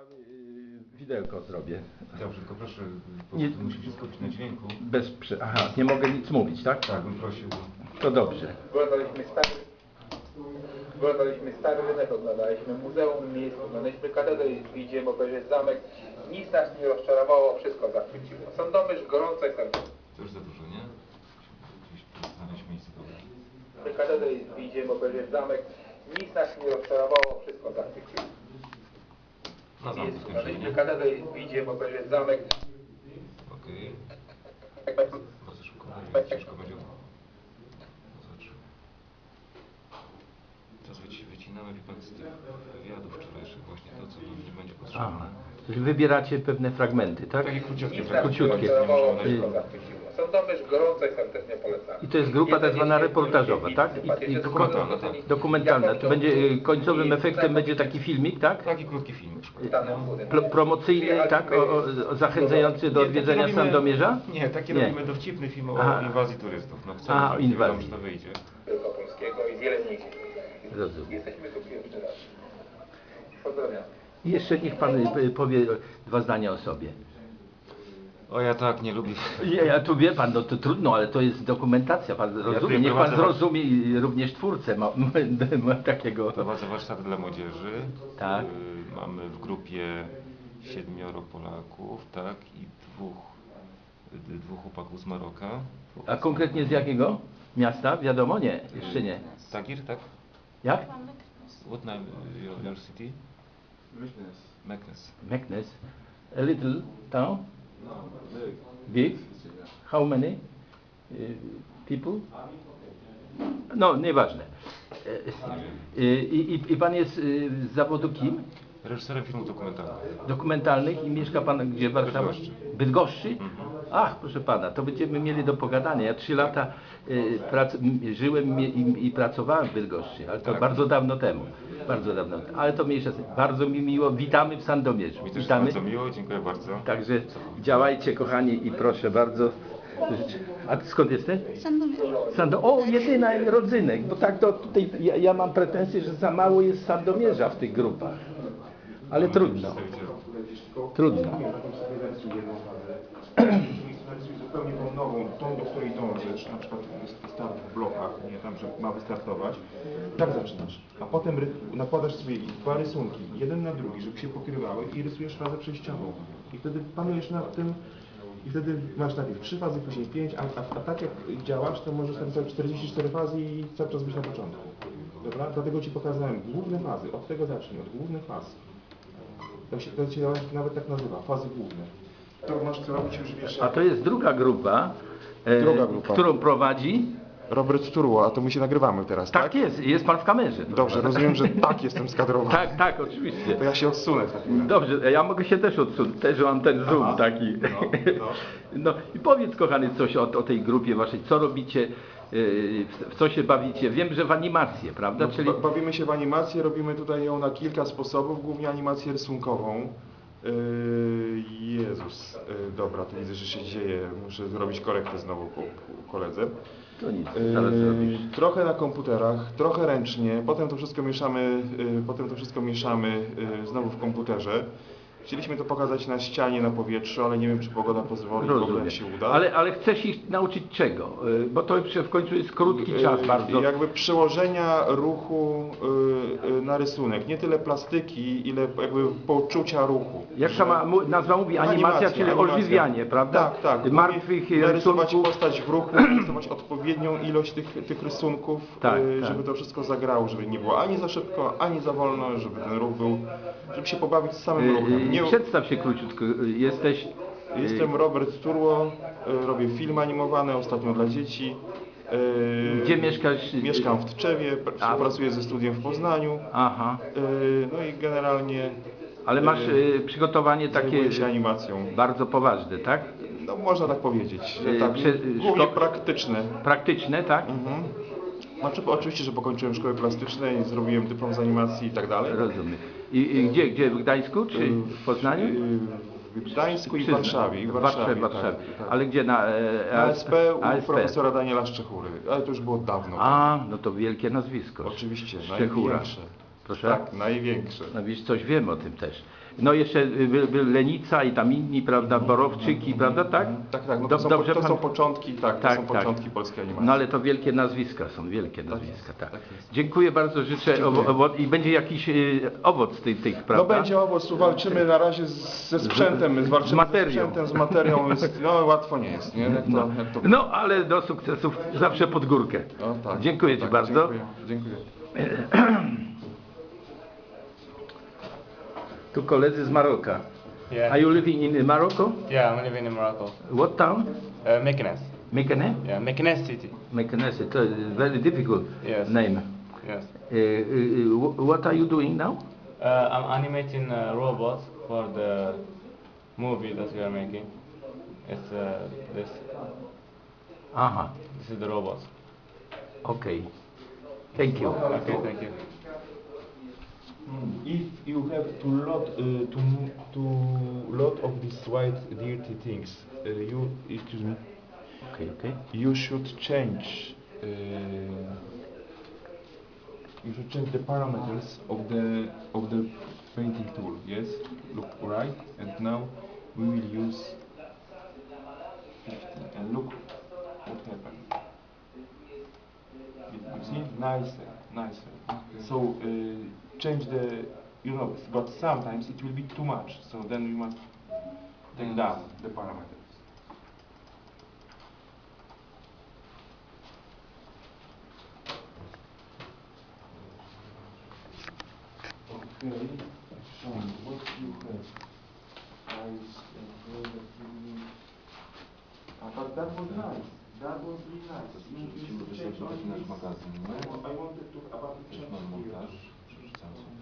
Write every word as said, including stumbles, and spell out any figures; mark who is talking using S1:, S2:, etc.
S1: y, widełko zrobię.
S2: Dobrze, tylko proszę,
S1: Nie-
S2: to musi wszystko być na dźwięku.
S1: Bez prze... Aha, nie mogę nic mówić, tak?
S2: Tak, bym prosił.
S1: To dobrze.
S3: Oglądaliśmy stary, oglądaliśmy stary rynek, oglądaliśmy muzeum miejsc, oglądaliśmy katedrę i widzimy, obejrzeć zamek. Nic nas nie rozczarowało, wszystko zachwyciło. Sandomierz gorąco i serdecznie.
S2: To już za dużo, nie? Gdzieś tu znaleźć miejsce dobre.
S3: Katedrę i widzimy, obejrzeć zamek. Nic nas nie rozczarowało, wszystko zachwyciło.
S2: Na zamku skończymy,
S3: Oglądaliśmy
S2: nie?
S3: katedrę i widzimy, obejrzeć zamek.
S2: Okej. Bardzo szybko będzie, ciężko będzie. Zobacz. Teraz wyci- wycinamy, wie pan, z tych wywiadów wczorajszych właśnie to, co nam nie będzie potrzebne.
S1: Aha. Czyli wybieracie pewne fragmenty, tak?
S2: Takie króciutkie
S3: Nic nas nie
S1: Króciutkie.
S3: rozczarowało,
S2: Nie
S3: wszystko
S2: można
S3: zachwyciło. Sandomierz gorąco i serdecznie polecamy.
S1: I to jest grupa tak zwana reportażowa, tak? I, i
S2: Dokumentalna, tak.
S1: dokumentalna. To będzie y, końcowym efektem będzie taki filmik, tak?
S2: Taki krótki film na przykład.
S1: Pro, promocyjny, tak? O, o, o, zachęcający do
S2: Nie, taki
S1: odwiedzenia
S2: robimy-
S1: Sandomierza?
S2: Nie, taki
S1: Nie.
S2: robimy dowcipny film o
S1: Aha.
S2: inwazji turystów. No chcemy,
S1: Aha, o
S2: nie wiadomo,
S1: inwazji.
S2: czy to wyjdzie.
S3: Wielkopolskiego i wiele mniejszych.
S1: Rozumiem.
S3: Jesteśmy tu pierwszy raz. Pozdrawiam.
S1: I jeszcze niech pan y, powie dwa zdania o sobie.
S2: O, ja tak nie lubię.
S1: Ja, ja tu wie pan, no to trudno, ale to jest dokumentacja, pan rozumie,
S2: tutaj
S1: niech pan
S2: prowadzę-
S1: zrozumie i również twórcę ma, ma, ma takiego.
S2: Prowadzę warsztat dla młodzieży.
S1: Tak.
S2: Y, mamy w grupie siedmioro Polaków, tak, i dwóch, y, dwóch chłopaków z Maroka.
S1: A konkretnie z jakiego miasta? Wiadomo, nie, jeszcze nie.
S2: Tagir, tak?
S1: Jak?
S2: What name uh, your, your city? Meknes.
S1: Meknes. A little town? Big? How many uh, people? No, nieważne. E, e, I, i, I pan jest e, z zawodu kim?
S2: Reżyserem filmów dokumentalnych.
S1: Dokumentalnych i mieszka pan gdzie w Warszawie?
S2: Bydgoszczy.
S1: Bydgoszczy? Ach, proszę pana, to będziemy mieli do pogadania. Ja trzy lata y, prac, m, żyłem i, i, i pracowałem w Bydgoszczy, ale to
S2: Tak.
S1: bardzo dawno temu. Bardzo dawno temu. Ale to mniejsza z tym. Bardzo mi miło. Witamy w Sandomierzu.
S2: Mi też
S1: Witamy.
S2: bardzo miło, dziękuję bardzo.
S1: Także działajcie kochani i proszę bardzo. A ty skąd jesteś?
S4: Sandomierz.
S1: Sando o, jedyna rodzynek, bo tak to tutaj ja, ja mam pretensje, że za mało jest Sandomierza w tych grupach. Ale trudno. Trudno.
S5: Zupełnie tą nową, tą, do której dążysz, na przykład start w blokach, nie tam, że ma wystartować. Tak zaczynasz. A potem ry- nakładasz sobie dwa rysunki, jeden na drugi, żeby się pokrywały i rysujesz fazę przejściową. I wtedy panujesz nad tym i wtedy masz najpierw trzy fazy, później pięć, a, a, a tak jak działasz, to możesz napisać czterdzieści cztery fazy i cały czas być na początku. Dobra? Dlatego Ci pokazałem główne fazy, od tego zacznij, od głównych faz. To się, to się nawet tak nazywa, fazy główne. To masz co robić już wiesz.
S1: A to jest druga grupa, e,
S5: Druga grupa.
S1: którą prowadzi.
S5: Robert Turło, a to my się nagrywamy teraz, tak?
S1: Tak jest, jest pan w kamerze.
S5: Dobrze, rozumiem, że tak jestem skadrowany.
S1: Tak, tak, oczywiście.
S5: To ja się odsunę w takim razie.
S1: Dobrze, ja mogę się też odsunąć, też mam ten zoom
S5: Aha,
S1: taki.
S5: no, no.
S1: No i powiedz kochany coś o, o tej grupie waszej, co robicie, yy, w, w co się bawicie. Wiem, że w animację, prawda?
S5: No,
S1: Czyli
S5: ba- Bawimy się w animację, robimy tutaj ją na kilka sposobów, głównie animację rysunkową. Yy, Jezus, yy, dobra, tu widzę, że się dzieje, muszę zrobić korektę znowu po, po koledze.
S1: to nic, zaraz
S5: Yy,
S1: zrobisz.
S5: trochę na komputerach, trochę ręcznie, potem to wszystko mieszamy, yy, potem to wszystko mieszamy yy, znowu w komputerze. Chcieliśmy to pokazać na ścianie, na powietrzu, ale nie wiem, czy pogoda pozwoli, w ogóle
S1: Rozumiem.
S5: jak się uda.
S1: Ale, ale chcesz ich nauczyć czego? Yy, Bo to w końcu jest krótki czas
S5: Yy,
S1: bardzo.
S5: Jakby przełożenia ruchu yy, yy, na rysunek. Nie tyle plastyki, ile jakby poczucia ruchu.
S1: Jak
S5: Że-
S1: sama mu- nazwa mówi, animacja,
S5: Animacja,
S1: czyli
S5: animacja.
S1: ożywianie, prawda?
S5: Tak, tak.
S1: Martwych
S5: narysować
S1: rysunków.
S5: postać w ruchu, narysować odpowiednią ilość tych, tych rysunków,
S1: Tak,
S5: yy,
S1: tak.
S5: żeby to wszystko zagrało, żeby nie było ani za szybko, ani za wolno, żeby ten ruch był, żeby się pobawić z samym
S1: Yy,
S5: ruchem. Nie,
S1: Przedstaw się króciutko. Yy, Jesteś. yy,
S5: Jestem Robert Turło, yy, robię filmy animowane, ostatnio dla dzieci. Yy,
S1: Gdzie mieszkasz?
S5: Mieszkam w Tczewie, pr-
S1: A.
S5: współpracuję ze studiem w Poznaniu.
S1: Aha.
S5: Yy, No i generalnie
S1: Ale masz
S5: yy,
S1: yy, przygotowanie takie
S5: zajmuję się animacją.
S1: bardzo poważne, tak?
S5: No można tak powiedzieć, że
S1: Yy,
S5: tak,
S1: prze-
S5: głównie
S1: szko-
S5: praktyczne.
S1: Praktyczne, tak?
S5: Mhm. Znaczy, oczywiście, że pokończyłem szkołę plastyczną i zrobiłem dyplom z animacji i tak dalej.
S1: Rozumiem. I, i gdzie? Gdzie? W Gdańsku czy w Poznaniu?
S5: Yy, W Gdańsku i w
S1: Przyznam.
S5: Warszawie. I w
S1: W Warszawie,
S5: Warszawie,
S1: Warszawie.
S5: tak, tak.
S1: Ale gdzie? Na, e,
S5: Na S P u
S1: A S P.
S5: profesora Daniela Szczechury, ale to już było dawno.
S1: A, no to wielkie nazwisko.
S5: Oczywiście,
S1: Szczechura.
S5: największe.
S1: Proszę?
S5: Tak, największe.
S1: No wiesz, coś wiem o tym też. No jeszcze by, by Lenica i tam inni, prawda, Borowczyki, prawda, tak?
S5: Tak, tak, no
S1: Do-
S5: to, są,
S1: dobrze
S5: to są
S1: pan-
S5: początki, tak, to
S1: Tak,
S5: są
S1: tak.
S5: początki polskiej animacji.
S1: No ale to wielkie nazwiska są, wielkie nazwiska,
S5: jest,
S1: tak.
S5: tak jest.
S1: Dziękuję bardzo, życzę
S5: Dziękuję.
S1: owo, owo, i będzie jakiś y, owoc tych, tych,
S5: No
S1: prawda?
S5: będzie owoc, tu walczymy na razie z, ze sprzętem,
S1: Z- z
S5: walczymy
S1: materią.
S5: ze sprzętem, z materią, jest, no łatwo nie jest, nie? Jak to,
S1: No,
S5: jak to...
S1: no ale do sukcesów zawsze pod górkę.
S5: No, tak,
S1: Dziękuję
S5: tak,
S1: Ci bardzo.
S5: Dziękuję, dziękuję.
S1: Tu koledzy z Maroka.
S4: Yeah.
S1: Are you living in Morocco?
S4: Yeah, I'm living in Morocco.
S1: What town?
S4: Uh, Meknes.
S1: Mekane?
S4: Yeah, Meknes city.
S1: Mekane, it's a very difficult
S4: Yes.
S1: name.
S4: Yes.
S1: Uh, uh, uh, what are you doing now?
S4: Uh, I'm animating uh, robots for the movie that we are making. It's uh, this.
S1: Aha,
S4: This is the robots.
S1: okay. Thank you.
S4: Okay, thank you.
S5: If you have to lot, uh, to, to lot of these white dirty things, uh, you, excuse me,
S1: Okay, okay.
S5: you should change, uh, you should change the parameters of the, of the painting tool, yes? Look, right? And now we will use fifty, and look what happened. You you see? Nicer, nicer. So, uh, change the, you know, but sometimes it will be too much, so then we must take down the parameters. Okay, Sean, what you have? Eyes and hair that you need. Ah, but that was nice. That was really nice. You, you
S2: Musimy
S5: should change
S2: wystarczyć
S5: only
S2: nasz
S5: this.
S2: magazyn,
S5: I
S2: nie?
S5: wa- I wanted to about to
S2: Też
S5: change
S2: mam
S5: here.
S2: montaż, przeczytałem sobie.